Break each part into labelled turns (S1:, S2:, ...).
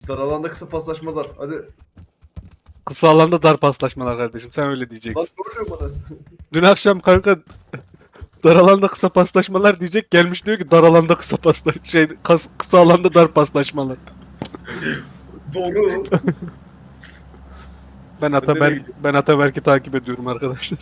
S1: Dar alanda kısa paslaşmalar. Hadi.
S2: Kısa alanda dar paslaşmalar kardeşim. Sen öyle
S1: Lan
S2: diyeceksin.
S1: soruyor bana.
S2: Dün akşam kanka dar alanda kısa paslaşmalar diyecek, gelmiş diyor ki dar alanda kısa kısa alanda dar paslaşmalar.
S1: Doğru.
S2: Ben Ataberk'i takip ediyorum arkadaşlar.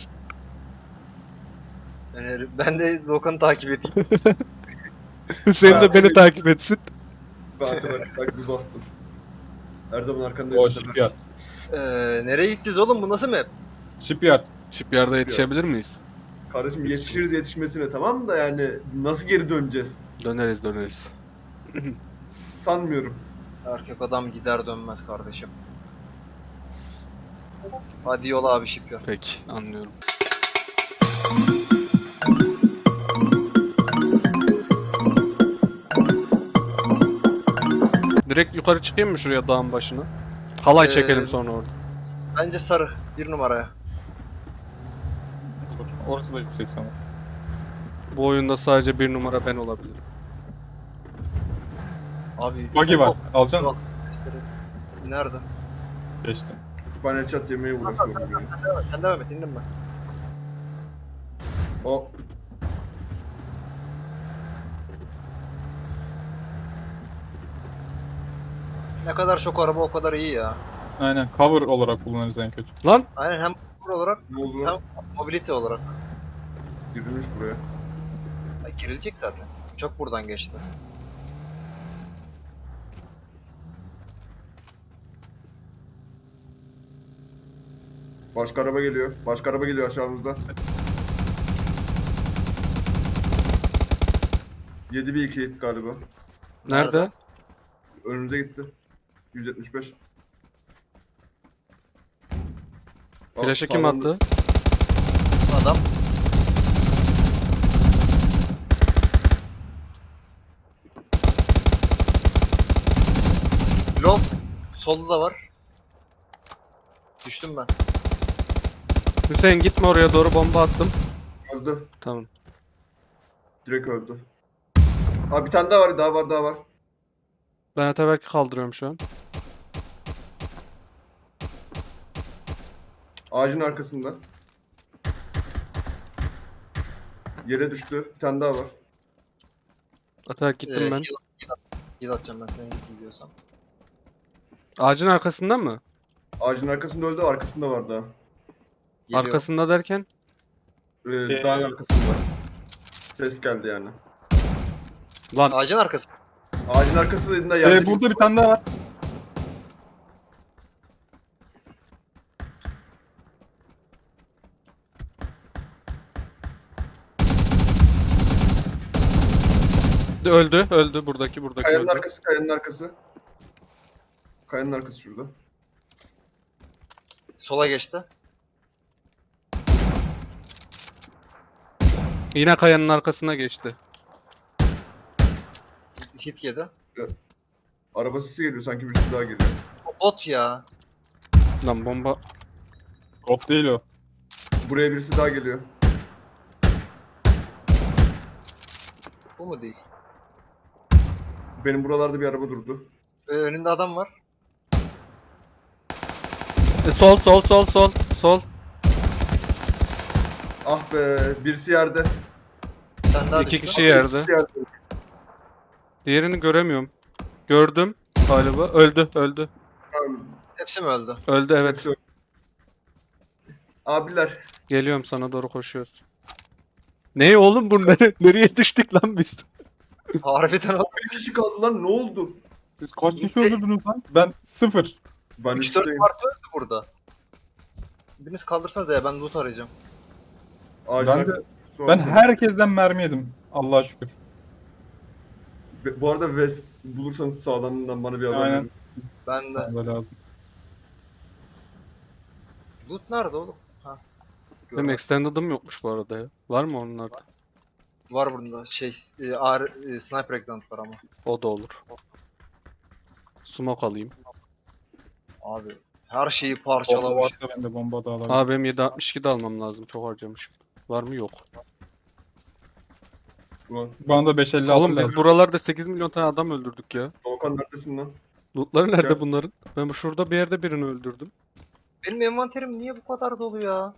S3: Yani ben de Doğukan'ı takip edeyim.
S2: Hüseyin de beni takip etsin.
S1: Ben Ataberk'e bir bastım. Her zaman arkanda
S4: O
S1: Ataberk.
S4: shipyard.
S3: Nereye gideceğiz oğlum, bu nasıl map?
S4: Shipyard.
S2: Shipyard'a yetişebilir miyiz?
S1: Kardeşim yetişiriz yetişmesine tamam da yani nasıl geri döneceğiz?
S2: Döneriz.
S1: Sanmıyorum.
S3: Erkek adam gider dönmez kardeşim. Hadi yola abi shipyard.
S2: Peki, anlıyorum. Direkt yukarı çıkayım mı şuraya, dağın başına? Halay çekelim sonra orada.
S3: Bence sarı. 1 numaraya.
S4: Olur. Orası da yüksek sana.
S2: Bu oyunda sadece bir numara ben olabilirim.
S3: Abi.
S4: Buggy
S3: çok
S4: var.
S3: bok
S4: Alacaksın mı?
S3: sesleri. Nerede?
S4: Geçtim.
S1: Ben headshot yemeye uğraşıyorum. Yani.
S3: Sen devam et, indim ben.
S1: O
S3: Ne kadar çok araba o kadar iyi ya.
S4: Aynen. Cover olarak kullanırız en kötü.
S2: Lan!
S3: Aynen, hem cover olarak
S1: ne oldu lan?
S3: mobility olarak.
S1: Girilmiş buraya.
S3: Ay, girilecek zaten. Çok buradan geçti.
S1: Başka araba geliyor. Başka araba geliyor aşağımızda. 7 bir 2 hit galiba.
S2: Nerede?
S1: Önümüze gitti. 175.
S2: Flash'ı kim
S1: Sağdan-
S2: attı?
S3: Adam. Low. Solda da var. Düştüm ben.
S2: Hüseyin gitme, oraya doğru bomba attım.
S1: Öldü.
S2: Tamam.
S1: Direkt öldü. Abi bir tane daha var, daha var.
S2: Ben Ataberk'i kaldırıyorum şu an.
S1: Ağacın arkasında. Yere düştü. Bir tane daha var.
S2: Ataberk gittim ben.
S3: Heal atacağım ben, senin gidiyorsan.
S2: Ağacın arkasında mı?
S1: Ağacın arkasında öldü, arkasında var daha.
S3: Geliyor.
S2: Arkasında derken?
S1: Dağın arkasında. Ses geldi yani.
S2: Lan
S3: Ağacın arkası.
S1: Ağacın arkasında yerde.
S4: Burada bir tane daha var.
S2: öldü buradaki
S1: Kayanın
S2: öldü.
S1: arkası, kayanın arkası. Kayanın arkası şurada.
S3: Sola geçti.
S2: Yine kayanın arkasına geçti.
S3: Hit yedi.
S1: Araba sesi geliyor, sanki birisi daha geliyor.
S3: Bot ya.
S2: Lan bomba.
S4: Bot değil o.
S1: Buraya birisi daha geliyor.
S3: Bu mu değil?
S1: Benim buralarda bir araba durdu.
S3: Önünde adam var.
S2: Sol.
S1: Ah be, birisi yerde.
S3: Sen daha
S2: İki
S3: düştün.
S2: kişi yerde.
S1: Birisi yerde.
S2: Diğerini göremiyorum. Gördüm galiba. Öldü.
S1: Tamam,
S3: Hepsi mi öldü?
S2: Öldü, evet.
S1: hepsi- Abiler.
S2: Geliyorum, sana doğru koşuyoruz. Ne oğlum bu, nereye düştük lan biz?
S3: Harbiden o.
S1: Bir kişi kaldı lan, ne oldu?
S4: Siz kaç kişi öldürdünüz lan? Ben 0.
S1: Ben
S3: 3-4
S1: üstteyim.
S3: parti öldü burada. Biriniz kaldırsanız ya, ben loot arayacağım.
S1: Ağacın
S4: Ben de-
S1: arkasında.
S4: Ben herkesten mermi yedim. Allah'a şükür.
S1: Bu arada West bulursanız sağlamından bana bir haber
S4: Aynen.
S1: verin.
S3: Ben de.
S4: Bana lazım.
S3: Loot nerede oğlum? Ha.
S2: Benim
S3: Görmedim.
S2: extended'ım yokmuş bu arada ya. Var mı onlarda?
S3: Var burada sniper eggplant var ama.
S2: O da olur. Smoke alayım.
S3: Abi her şeyi
S4: Bomba
S3: parçalamış.
S4: varsa ben de bomba da alabilirim.
S2: Abi benim 7.62 de almam lazım. Çok harcamışım. Var mı? Yok.
S1: Ulan
S4: Bana da 556
S2: Oğlum biz
S4: lazım.
S2: buralarda 8 milyon tane adam öldürdük ya.
S1: Doğukan neredesin lan?
S2: Lootları nerede
S1: Ya-
S2: bunların? Ben şurada bir yerde birini öldürdüm.
S3: Benim envanterim niye bu kadar dolu ya?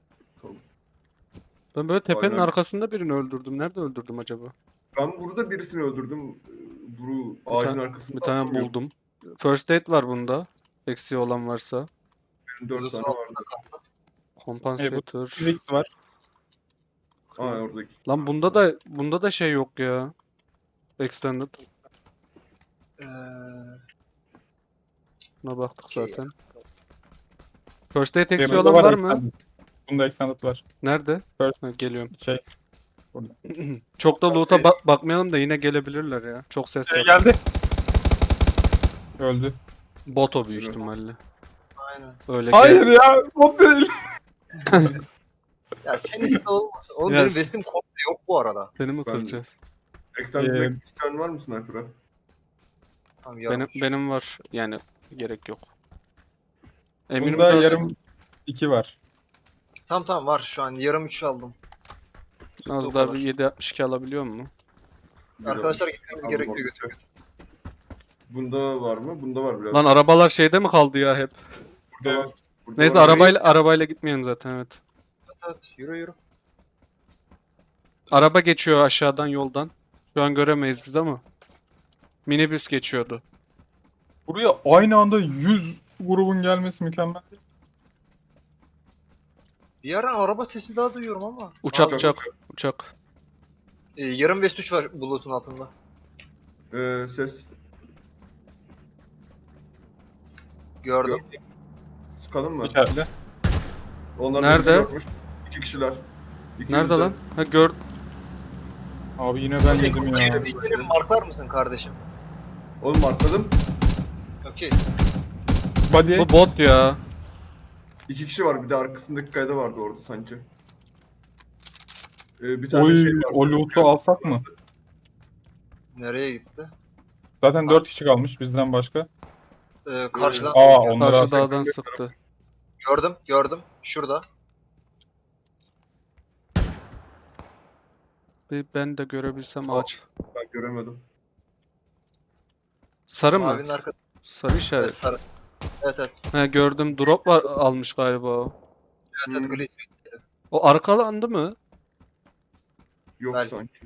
S2: Ben böyle tepenin
S1: Aynen.
S2: arkasında birini öldürdüm. Nerede öldürdüm acaba?
S1: Ben burada birisini öldürdüm. Bu
S2: Bir
S1: ağacın
S2: tane,
S1: arkasında
S2: bir tane
S1: atamıyorum.
S2: buldum. First aid var bunda. Eksiği olan varsa.
S1: Benim 4
S3: Loot'un
S1: tane var.
S3: altında kaldı.
S2: Kompansatör.
S4: 8x var.
S1: Aa oradaki.
S2: Lan bunda da şey yok ya. Extended.
S3: Ee,
S2: Buna baktık
S3: Okey.
S2: zaten. First aid eksiği
S4: Bunda
S2: olan var mı?
S4: extended. Bunda extended var.
S2: Nerede?
S4: First-
S2: Ha, geliyorum.
S4: Şey.
S2: Çok da loot'a
S1: Ses-
S2: bakmayalım da yine gelebilirler ya. Çok ses
S4: Şey
S2: yok.
S4: geldi. Öldü.
S2: Bot o büyük
S1: Evet.
S2: ihtimalle.
S3: Aynen.
S2: Öyle
S4: Hayır ya. O değil.
S3: Ya sen iste olmasın. Oğlum
S2: Yes.
S3: benim vestim komple yok bu arada.
S2: Beni mi
S1: Ben-
S2: kıracağız?
S1: Extend
S4: Ee,
S1: Black isteyen var mı sniper'a?
S3: Tamam
S2: Benim,
S3: yarım.
S2: benim var. Yani gerek yok. Eminim
S4: Bunda
S2: da
S4: yarım 2 var.
S3: Tamam var şu an yarım 3 aldım.
S2: az
S3: o
S2: daha
S3: kadar.
S2: bir 7.62 alabiliyor mu?
S3: Arkadaşlar gitmemiz
S1: Aldım,
S3: gerekiyor
S1: aldım.
S3: götür.
S1: Bunda var mı? Bunda var biraz.
S2: Lan arabalar şeyde mi kaldı ya hep?
S1: Burada var.
S4: Evet.
S1: Burada
S2: Neyse
S1: var.
S2: arabayla gitmeyelim zaten evet.
S3: Evet yürü.
S2: Araba geçiyor aşağıdan yoldan. Şu an göremeyiz biz ama. Minibüs geçiyordu.
S4: Buraya aynı anda 100 grubun gelmesi mükemmel.
S3: Bir yerden araba sesi daha duyuyorum ama.
S2: Uçak
S1: Uçak,
S2: uçak uçak.
S3: Yarım vest 3 var bulutun altında.
S1: Ses.
S3: Gördüm.
S1: Gördüm. Sıkalım mı?
S4: İçeride.
S1: Onlar
S2: Nerede?
S1: bizi görmüş. 2 kişiler. İkimiz
S2: Nerede
S1: de.
S2: lan? Ha gör.
S4: Abi yine ben yedim ya.
S3: Benim marklar mısın kardeşim?
S1: Oğlum markladım.
S3: Okey.
S4: Body.
S2: Bu bot ya.
S1: 2 kişi var. Bir de arkasındaki kayada vardı orada sanki. Bir tane
S4: Oy,
S1: şey var.
S4: o loot'u alsak mı?
S3: Nereye gitti?
S4: Zaten 4 kişi kalmış bizden başka.
S3: Karşıdan.
S4: Aa onları
S2: Karşı
S4: alsak.
S2: dağdan sıktı.
S3: Gördüm. Şurada.
S2: Bir ben de görebilsem
S1: Aa.
S2: ağaç.
S1: Ben göremedim.
S2: Sarı mı?
S3: Mavinin arkası.
S2: Sarı
S3: Evet,
S2: işaret.
S3: sarı. Evet.
S2: He gördüm. Drop var almış galiba o.
S3: Evet Glees.
S2: O arkalandı mı?
S1: Yok
S3: Belki.
S1: sanki.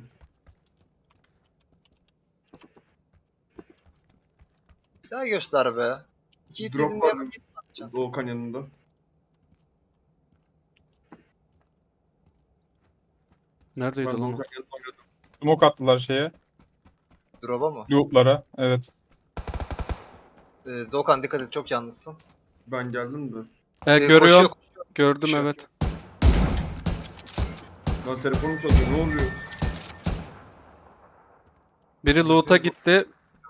S3: Bir daha göster be. İki
S1: Drop
S3: itilinde
S1: var Doğukan yanında.
S2: Neredeydi
S1: Ben
S2: lan o?
S1: Doğukan yanında oynadım.
S4: Smoke attılar şeye.
S3: drop'a mı?
S4: Loot'lara. Evet.
S3: Doğukan dikkat et çok yalnızsın.
S1: Ben geldim de.
S2: He görüyorum.
S3: Koşuyor.
S2: Gördüm
S3: Koşuyor.
S2: evet.
S1: Lan telefonum çalıyor. Ne oluyor?
S2: Biri loot'a gitti.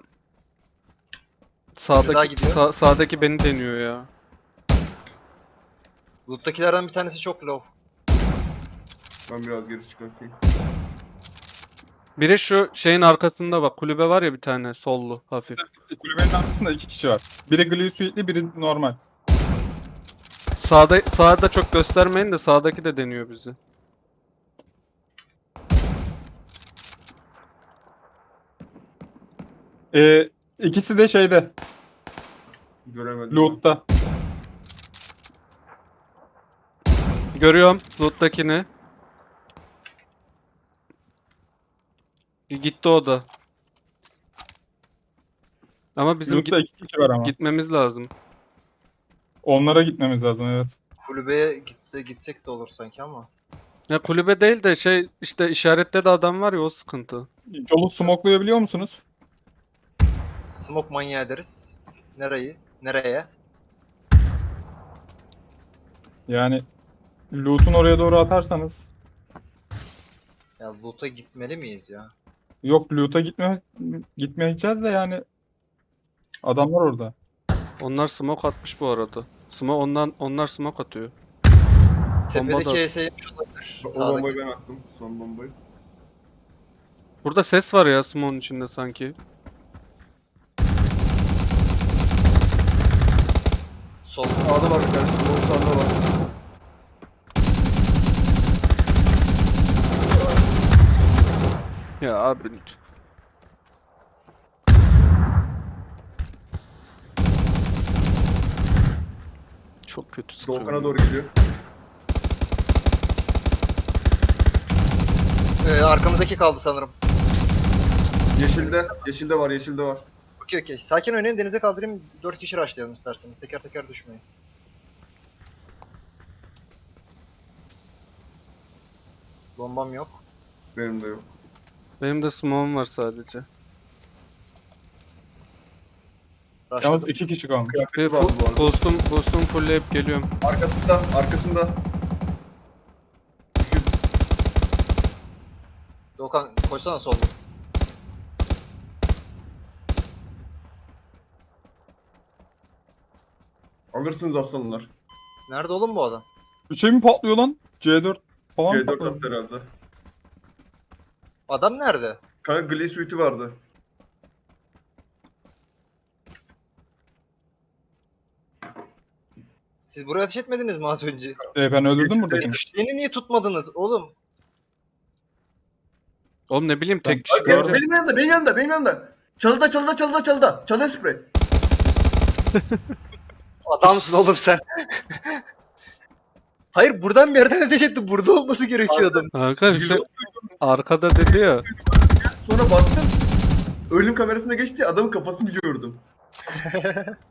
S3: daha
S2: Sağdaki
S3: gidiyor.
S2: sağdaki beni deniyor ya.
S3: Loot'takilerden bir tanesi çok low.
S1: Ben biraz geri çıkartayım.
S2: Biri şu şeyin arkasında bak. Kulübe var ya bir tane sollu hafif.
S4: Kulübenin arkasında 2 kişi var. Biri Glue Suite'li, biri normal.
S2: Sağda çok göstermeyin de sağdaki de deniyor bizi.
S4: İkisi de şeyde.
S1: Göremedim.
S4: Loot'ta.
S2: Görüyorum loot'takini. Gitti o da. Ama bizim
S4: Loot'ta 2 kişi var ama.
S2: gitmemiz lazım.
S4: Onlara gitmemiz lazım evet.
S3: Kulübeye gitsek de olur sanki ama.
S2: Ya kulübe değil de şey işte işarette de adam var ya o sıkıntı.
S4: Yolu smoklayabiliyor musunuz?
S3: Smoke manyağı ederiz. Nereye?
S4: Yani loot'un oraya doğru atarsanız.
S3: Ya loot'a gitmeli miyiz ya?
S4: Yok loot'a gitmeyeceğiz de yani. Adamlar orada.
S2: Onlar smoke atmış bu arada. Onlar smoke atıyor. Bomba da-
S3: Tepedeki HS'ymiş olabilir.
S1: O
S3: Sağdaki.
S1: bombayı ben attım. Son bombayı.
S2: Burada ses var ya smoke'un içinde sanki.
S3: Sol.
S1: Sağda var bir tane. Sol sağda var.
S2: Ya abi. Çok kötü sıkıyor.
S1: Doğukan'a doğru gidiyor.
S3: Arkamızdaki kaldı sanırım.
S1: Yeşilde. Yeşilde var. Yeşilde var.
S3: Okey okey. Sakin oynayın, denize kaldırayım. 4 kişi rushlayalım isterseniz. Teker teker düşmeyin. Bombam yok.
S1: Benim de yok.
S2: Benim de smoke'um var sadece.
S4: Yalnız
S3: Rushladım.
S4: 2 kişi kalmış.
S2: Ve
S1: Kıyafeti var bu arada.
S2: boostum fullleyip geliyorum.
S1: Arkasında. Arkasında.
S3: Doğukan koysana solda.
S1: Alırsınız aslanlar.
S3: Nerede oğlum bu adam?
S4: Bir şey mi patlıyor lan? C4 falan
S1: C4
S4: patlıyor.
S1: attı herhalde.
S3: Adam nerede?
S1: Kanka Glee Suite'i vardı.
S3: Siz buraya ateş etmediniz mi az önce?
S4: Ben öldürdüm
S1: Geçti.
S4: buradakini.
S3: Beni niye tutmadınız oğlum?
S2: Oğlum ne bileyim tek kişi
S1: Bak, gel,
S2: kaldı.
S1: benim yanımda, benim yanımda, benim yanımda. Çalıda, çalıda, çalıda, çalıda. Çalıda sprey.
S3: Adamsın oğlum sen. Hayır, buradan bir yerden ateş etti. Burada olması gerekiyordu.
S2: Kanka Hüseyin arkada dedi ya.
S1: Sonra baktım. Ölüm kamerasına geçti, adamın kafasını gördüm.